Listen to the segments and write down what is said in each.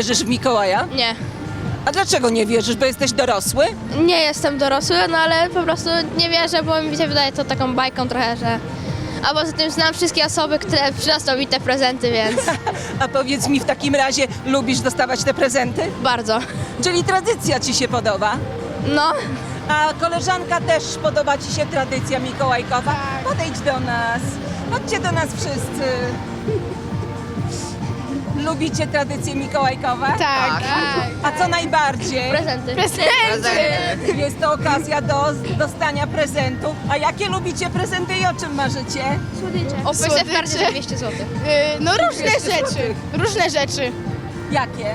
wierzysz w Mikołaja? Nie. A dlaczego nie wierzysz? Bo jesteś dorosły? Nie jestem dorosły, no ale po prostu nie wierzę, bo mi się wydaje to taką bajką trochę, że... A poza tym znam wszystkie osoby, które przyniosą mi te prezenty, więc A powiedz mi w takim razie, lubisz dostawać te prezenty? bardzo. Czyli tradycja ci się podoba? No, A koleżanka też podoba ci się tradycja mikołajkowa? Podejdź do nas. Chodźcie do nas wszyscy. Lubicie tradycje mikołajkowe? tak. A co najbardziej? Prezenty. Jest to okazja do dostania prezentu. A jakie lubicie prezenty i o czym marzycie? O w karcie za 200 zł. No różne 200 rzeczy. złotych. Różne rzeczy. Jakie?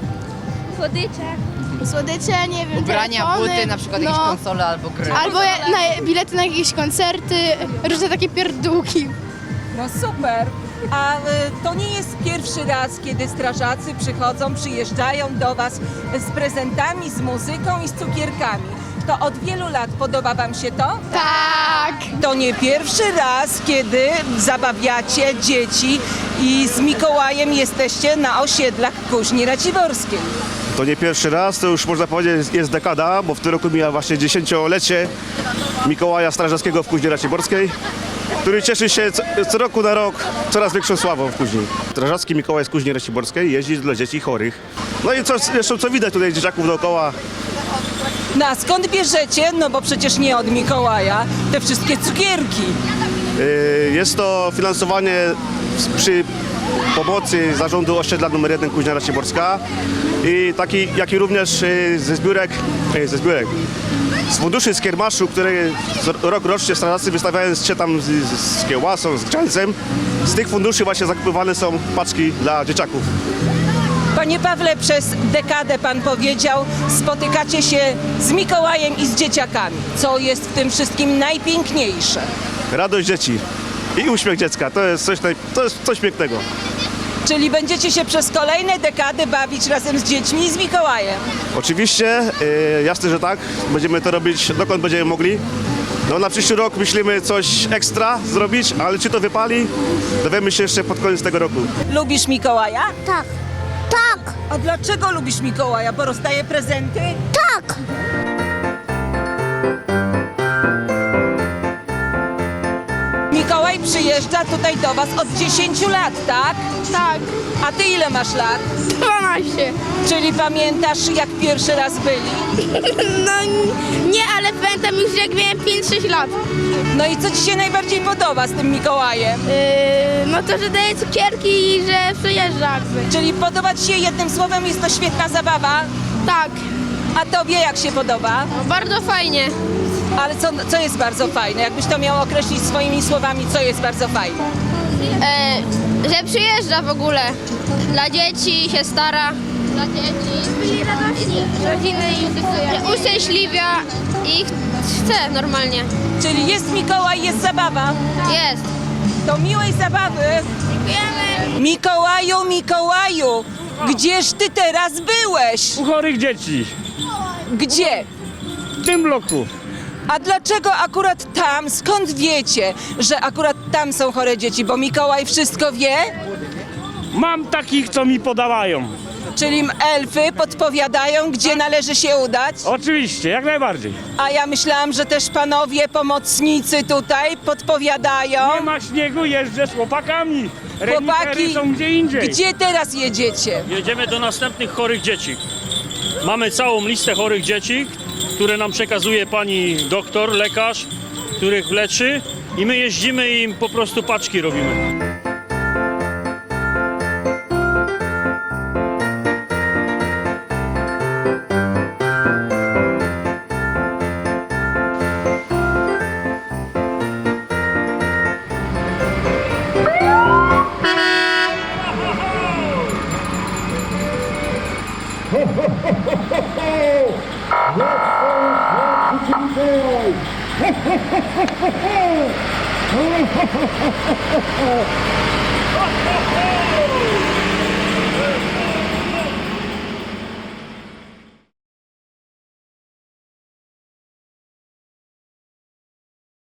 Słodycze, nie wiem, Ubrania, telefony, buty, na przykład jakieś konsole albo gry. Albo bilety na jakieś koncerty, różne takie pierdółki. No super. A to nie jest pierwszy raz, kiedy strażacy przyjeżdżają do Was z prezentami, z muzyką i z cukierkami. To od wielu lat podoba Wam się to? Tak. To nie pierwszy raz, kiedy zabawiacie dzieci i z Mikołajem jesteście na osiedlach Kuźni Raciborskiej. To nie pierwszy raz, to już można powiedzieć jest dekada, bo w tym roku mija właśnie 10-lecie Mikołaja Strażackiego w Kuźni Raciborskiej, który cieszy się co roku na rok coraz większą sławą w Kuźni. Strażacki Mikołaj z Kuźni Raciborskiej jeździ dla dzieci chorych. No i co widać tutaj dzieciaków dookoła. No a skąd bierzecie, no bo przecież nie od Mikołaja, te wszystkie cukierki? Jest to finansowanie przy pomocy Zarządu Osiedla nr 1 Kuźnia Raciborska i jak i również z funduszy z kiermaszu, które rocznie strażacy wystawiając się tam z kiełbasą, z grzańcem, z tych funduszy właśnie zakupywane są paczki dla dzieciaków. Panie Pawle, przez dekadę Pan powiedział, spotykacie się z Mikołajem i z dzieciakami. Co jest w tym wszystkim najpiękniejsze? Radość dzieci i uśmiech dziecka, to jest coś pięknego. Czyli będziecie się przez kolejne dekady bawić razem z dziećmi i z Mikołajem. Oczywiście, jasne, że tak, będziemy to robić dokąd będziemy mogli. No na przyszły rok myślimy coś ekstra zrobić, ale czy to wypali, dowiemy się jeszcze pod koniec tego roku. Lubisz Mikołaja? Tak. Tak. A dlaczego lubisz Mikołaja? Bo rozdaje prezenty? Tak. Mikołaj przyjeżdża tutaj do Was od 10 lat, tak? Tak. A Ty ile masz lat? 12. Czyli pamiętasz, jak pierwszy raz byli? No nie, ale pamiętam już jak miałem 5-6 lat. No i co Ci się najbardziej podoba z tym Mikołajem? No to, że daje cukierki i że przyjeżdża jakby. Czyli podoba Ci się jednym słowem, jest to świetna zabawa? Tak. A Tobie jak się podoba? Bardzo fajnie. Ale co jest bardzo fajne? Jakbyś to miał określić swoimi słowami, co jest bardzo fajne? Że przyjeżdża w ogóle. Dla dzieci się stara. Dla dzieci. Rodziny i uszczęśliwia i chce normalnie. Czyli jest Mikołaj, jest zabawa. Jest. To miłej zabawy. Mikołaju, Mikołaju, gdzież Ty teraz byłeś? U chorych dzieci Gdzie? w tym bloku. A dlaczego akurat tam? Skąd wiecie, że akurat tam są chore dzieci? Bo Mikołaj wszystko wie? Mam takich, co mi podawają. Czyli elfy podpowiadają, gdzie należy się udać? Oczywiście, jak najbardziej. A ja myślałam, że też panowie pomocnicy tutaj podpowiadają. Nie ma śniegu, jeżdżę z chłopakami. Chłopaki, Renitery są gdzie indziej. gdzie teraz jedziecie? Jedziemy do następnych chorych dzieci. Mamy całą listę chorych dzieci, które nam przekazuje pani doktor, lekarz, których leczy i my jeździmy i im po prostu paczki robimy. Ho, ho, ho, ho, ho, ho, ho.